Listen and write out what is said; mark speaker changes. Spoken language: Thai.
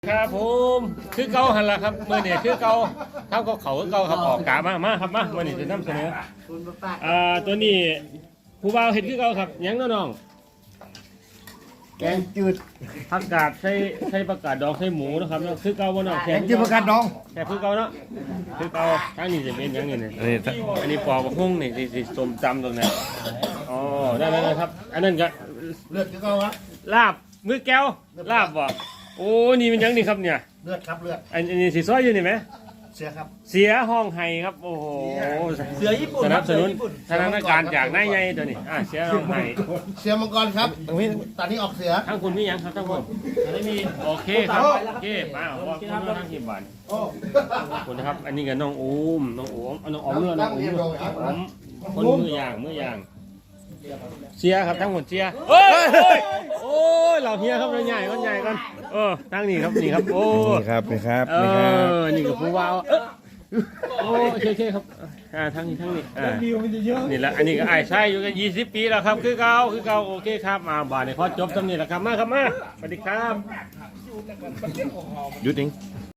Speaker 1: ครับผมคือเก่าหันละครับเมื่อนี่คือเก่าเท่ากับเขาคือเก่าครับออกกามาครับมาเมื่อนี่จะนำเสนอตัวนี้ผู้บ่าวเห็ดคือเก่าครับยังน้องแกงจืดผักกาดใส่ผักกาดดองใส่หมูนะครับเนาะคือเก่าบ่เนาะแกงจืดผักกาดดองแค่คือเก่าเนาะคือเก่าทั้งนี้จะเป็นยังนี่เนี่ยอันนี้ปอกหุ้งนี่สิส้มตำตรงนั้นอ๋อได้ครับอันนั้นก็
Speaker 2: เลือดคือเก่าวะ
Speaker 1: ลาบมือแก้วลาบบ่โอ้นี่มันยังนี่ครับเนี่ย
Speaker 2: เลือดครับเลือด
Speaker 1: อันนี้สีซ้อยอยู่นี่ไหม
Speaker 2: เสียครับ
Speaker 1: เสียห้องไห้ครับโอ้โห
Speaker 3: เสือญี่ปุ่น
Speaker 1: สนับสนุนสถานการณ์จากนายใหญ่ตัวนี้เสียห้องไห้
Speaker 2: เสียมังกรครับตอนนี้ออกเสือ
Speaker 1: ทั้งคุณมียังครับทั้งคุณอันนี้มีโอเคครับโอเคมาขอบคุณทั้งทีมบ้านขอบคุณนะครับอันนี้กับน้องอูมน้องอมน้องอมเมื่อน้องอูมคนมือย่างเสียครับทั้งหมดเสียโอ้ยเหล่าเฮียครับใหญ่กันทั้งนี้ครับนี่ครับโอ้
Speaker 4: นี่ครับ
Speaker 1: นี่กับผู้ว่าวโอ้โอเคครับทั้งนี้นี่แหละอันนี้ก็ไอ้ใช่อยู่กัน20 ปีแล้วครับคือเก่าโอเคครับมาบ่ายในข้อจบตำนี้แหละครับมาครับมาสวัสดีครับ
Speaker 4: หยุดเอง